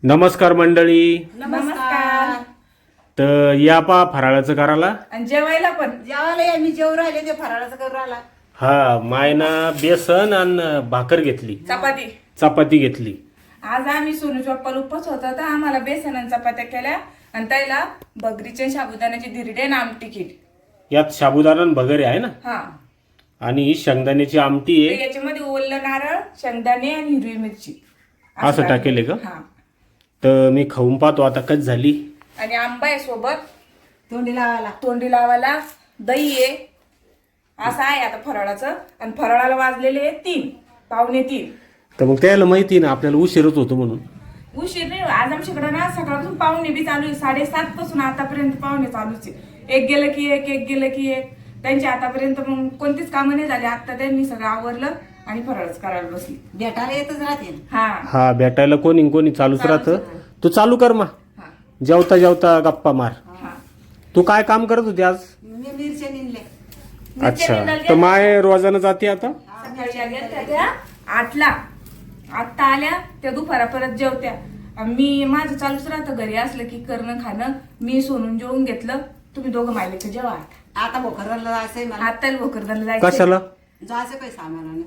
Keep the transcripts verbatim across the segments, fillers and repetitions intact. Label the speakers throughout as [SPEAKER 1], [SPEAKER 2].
[SPEAKER 1] नमस्कार मंडळी.
[SPEAKER 2] नमस्कार.
[SPEAKER 1] तर या पा फराळाचं करायला
[SPEAKER 2] आणि जेवायला पण जेवायला आम्ही जेव राहिले ते फराळाचं करू राहिला.
[SPEAKER 1] हा मायना बेसन आणि भाकर घेतली,
[SPEAKER 2] चपाती
[SPEAKER 1] चपाती घेतली.
[SPEAKER 2] आज आम्ही सोनू चप्पल उपवास होता तर आम्हाला बेसन आणि चपात्या केल्या आणि त्याला बगरीचे साबुदाण्याची धिरडे आणि आमटी केली.
[SPEAKER 1] यात साबुदाणा आणि भगरे आहे ना,
[SPEAKER 2] हा
[SPEAKER 1] आणि शेंगदाण्याची आमटी
[SPEAKER 2] तर
[SPEAKER 1] आहे.
[SPEAKER 2] याच्यामध्ये ओलं नारळ, शेंगदाणे आणि हिरवी मिरची
[SPEAKER 1] असं टाकेले का?
[SPEAKER 2] हा.
[SPEAKER 1] तर मी खाऊन पाहतो आता कच झाली.
[SPEAKER 2] आणि आंबा आहे सोबत,
[SPEAKER 3] तोंडी लावायला.
[SPEAKER 2] तोंडी लावायला दही आहे. असं आहे आता फराळाचं. आणि फराळाला वाजलेले आहे तीन पावणे तीन.
[SPEAKER 1] तर मग त्याला माहिती ना आपल्याला उशीरच होतो म्हणून.
[SPEAKER 2] उशीर नाही आज आमच्याकडे ना सकाळपासून पाहुणे बी चालू आहे. साडेसात पासून आतापर्यंत पाहुणे चालूच आहे. एक गेलं की एक एक गेलं की एक. त्यांच्या आतापर्यंत मग कोणतीच कामं नाही झाली. आता त्यांनी सगळं आवरलं आणि फराळच करायला बसली.
[SPEAKER 3] भेटायला येतच राहते.
[SPEAKER 2] हा
[SPEAKER 1] हा भेटायला कोणी कोणी चालूच राहतं. तू चालू कर मा,
[SPEAKER 2] हा
[SPEAKER 1] जेवता जेवता गप्पा मार.
[SPEAKER 2] हा.
[SPEAKER 1] तू काय काम करत होती आज?
[SPEAKER 3] मी मिरच्या निघले.
[SPEAKER 1] अच्छा, तर माय रोजानं जाते आता.
[SPEAKER 2] सकाळी गेल्या त्या आठला, आत्ता आल्या त्या दुपारा परत जेवत्या. आणि मी माझं चालूच राहतं घरी असलं की करणं खाणं. मी सोनून जेवून घेतलं. तुम्ही दोघं मायले तर जेवा.
[SPEAKER 3] आता भोकरला जायचंय मला.
[SPEAKER 2] आता भोकरदनला जायचं.
[SPEAKER 1] कशाला?
[SPEAKER 3] जायचं काही सामान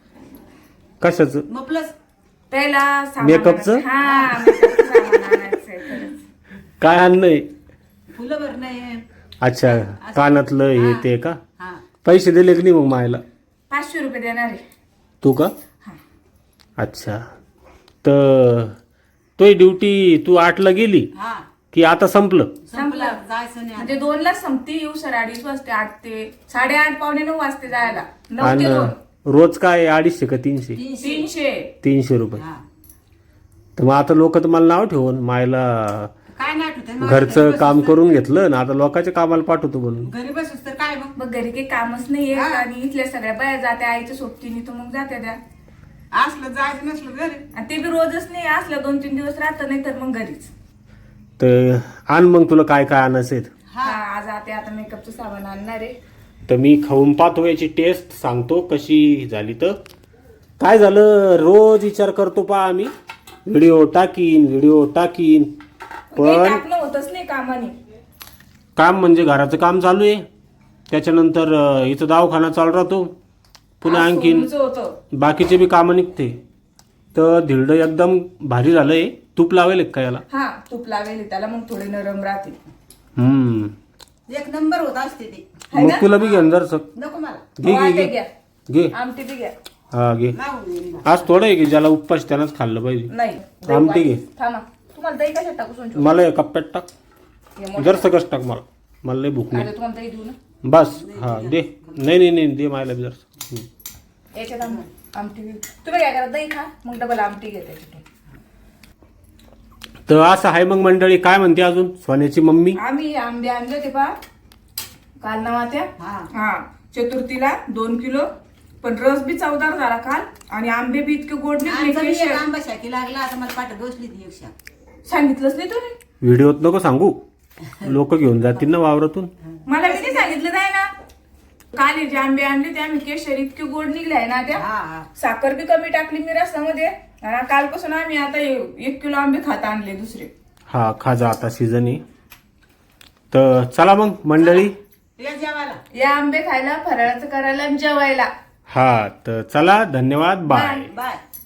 [SPEAKER 1] कशाच?
[SPEAKER 3] मग प्लस
[SPEAKER 2] त्याला सामान
[SPEAKER 1] मेकअपचं?
[SPEAKER 2] आणायचं. हा मेकअपचं सामान आणायचंय खरंच.
[SPEAKER 1] काय आणलंय?
[SPEAKER 3] फुलं भर नाही.
[SPEAKER 1] अच्छा, कानातलं हे ते का?
[SPEAKER 3] हा
[SPEAKER 1] पैसे दिले की नाही मग मायला?
[SPEAKER 2] पाचशे रुपये देणार आहे.
[SPEAKER 1] तू का?
[SPEAKER 2] हा.
[SPEAKER 1] अच्छा, तर तो ड्युटी तू आठला गेली
[SPEAKER 3] हा
[SPEAKER 1] की आता संपलं?
[SPEAKER 3] संपलं. जायचं नाही आता.
[SPEAKER 2] म्हणजे दोन ला संपती. येऊ सर अडीच वाजते. आठ ते साडेआठ पावणे नऊ वाजते जायला. नऊ ते
[SPEAKER 1] आणि
[SPEAKER 2] दोन
[SPEAKER 1] रोज काय अडीचशे का तीनशे?
[SPEAKER 3] तीनशे.
[SPEAKER 2] तीनशे.
[SPEAKER 1] तीनशे रुपये.
[SPEAKER 3] हा.
[SPEAKER 1] तर मग आता लोक तर मला नाव ठेवून मायला
[SPEAKER 3] काय नाही आठवत आहे.
[SPEAKER 1] घरचं काम करून घेतलं ना, आता लोकांच्या कामाला पाठवतो म्हणून.
[SPEAKER 3] घरी बसूस तर काय मग.
[SPEAKER 2] मग घरी काही कामच नाहीये.
[SPEAKER 3] हा.
[SPEAKER 2] आणि इथल्या सगळ्या बाया जात्या आईच्या सोबतीने तर मग जात्या त्या.
[SPEAKER 3] असलं जायचं नसलं घरी.
[SPEAKER 2] आणि ते बी रोजच नाही असलं दोन तीन दिवस राहतं नाही तर मग घरीच.
[SPEAKER 1] तर आण मग तुला काय काय आणायचं.
[SPEAKER 2] हा आज आते आता मेकअपचं सामान आणणार आहे.
[SPEAKER 1] तर मी खाऊन पाहतो, याची टेस्ट सांगतो कशी झाली. तर काय झालं, रोज विचार करतो पा आम्ही व्हिडिओ टाकीन व्हिडिओ टाकीन
[SPEAKER 2] काही
[SPEAKER 1] पण
[SPEAKER 2] टाकणं होतच नाही कामाने.
[SPEAKER 1] काम म्हणजे घराचं काम चालू आहे, त्याच्यानंतर अं, इथं दवाखाना चालू राहतो, पुन्हा
[SPEAKER 2] आज
[SPEAKER 1] आणखीन
[SPEAKER 2] सोनूचं होतं.
[SPEAKER 1] बाकीचे बी कामं निघते. तर धिरडं एकदम भारी झालंय. तूप लावेल का याला?
[SPEAKER 2] हा तूप लावेल त्याला मग थोडे नरम राहतील.
[SPEAKER 1] हम्म,
[SPEAKER 3] एक नंबर होत असते ते.
[SPEAKER 2] है
[SPEAKER 1] मग
[SPEAKER 2] ना?
[SPEAKER 1] तुला बी घेऊन जर सक
[SPEAKER 3] नको मला.
[SPEAKER 1] घे
[SPEAKER 2] हो,
[SPEAKER 1] घे
[SPEAKER 2] आता
[SPEAKER 1] घे
[SPEAKER 2] घ्या.
[SPEAKER 1] घे.
[SPEAKER 2] आमटी बी घ्या.
[SPEAKER 1] हा घे.
[SPEAKER 3] मागून येईन.
[SPEAKER 1] आज थोडं आहे की ज्याला उपवास त्यानंच खाल्लं पाहिजे.
[SPEAKER 2] नाही
[SPEAKER 1] आमटी घे.
[SPEAKER 2] थांबा तुम्हाला दही कशात टाकू सोनू?
[SPEAKER 1] मला या कप्प्यात टाक,
[SPEAKER 2] हे मोठं.
[SPEAKER 1] जर सकस टाक. मला मला लय भूक
[SPEAKER 2] आता
[SPEAKER 1] नाही.
[SPEAKER 2] तुम्हाला दही देऊ ना.
[SPEAKER 1] बस हा दे. नाही नाही नाही दे मायला बी जर.
[SPEAKER 2] याच्यात आम- आमटी बी. तुम्ही काय करा दही खा मग डबल आमटी घ्या त्याच्यातून.
[SPEAKER 1] तर असं आहे मग मंडळी. काय म्हणते अजून सोन्याची मम्मी?
[SPEAKER 2] आम्ही आंबे आणले होते पा काल नवात्या.
[SPEAKER 3] हा.
[SPEAKER 2] हा चतुर्थीला दोन किलो. पण रस बी चवदार झाला काल. आणि आंबे बी इतके गोड
[SPEAKER 3] आमचा बी
[SPEAKER 2] निघले.
[SPEAKER 3] एक आंबा शाकी लागला. आता मला पाठ बसली ती एक शाक.
[SPEAKER 2] सांगितलंच नाही तुम्ही.
[SPEAKER 1] व्हिडिओत नको सांगू, लोक घेऊन जातील ना वावरातून.
[SPEAKER 2] मला किती सांगितलं नाही ना. काल हे जे आंबे आणले ते आम्ही केशर इतके गोड निघले आहे ना त्या.
[SPEAKER 3] हा हा.
[SPEAKER 2] साखर बी कमी टाकली मी रसामध्ये. आणि कालपासून आम्ही आता हे एक किलो आंबे खाता आणले दुसरे.
[SPEAKER 1] हा खाजा आता सीझन आहे. तर चला मग मंडळी.
[SPEAKER 3] या जेवायला.
[SPEAKER 2] या आंबे खायला फराळाचं करायला आणि जेवायला.
[SPEAKER 1] हा तर चला, धन्यवाद, बाय.
[SPEAKER 3] बाय.